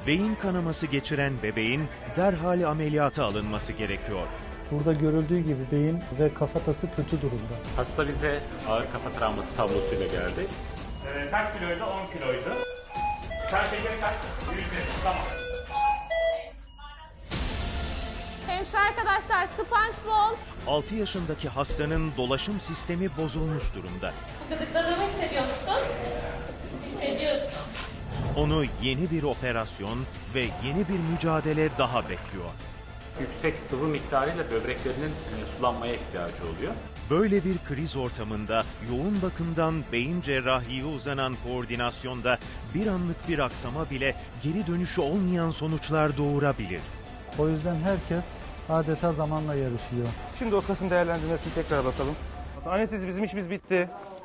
Beyin kanaması geçiren bebeğin derhal ameliyata alınması gerekiyor. Burada görüldüğü gibi beyin ve kafatası kötü durumda. Hasta bize ağır kafa travması tablosuyla geldi. Kaç kiloydu? 10 kiloydu. Kan şekeri kaç? 100. Tamam. Hemşire arkadaşlar, SpongeBob. 6 yaşındaki hastanın dolaşım sistemi bozulmuş durumda. Gıdıkladığımı hissediyorsun. Hissediyorsun. Onu yeni bir operasyon ve yeni bir mücadele daha bekliyor. Yüksek sıvı miktarıyla böbreklerinin sulanmaya ihtiyacı oluyor. Böyle bir kriz ortamında yoğun bakımdan beyin cerrahiye uzanan koordinasyonda bir anlık bir aksama bile geri dönüşü olmayan sonuçlar doğurabilir. O yüzden herkes adeta zamanla yarışıyor. Şimdi o kasın değerlendirmesini tekrar bakalım. Anestezi bizim işimiz bitti.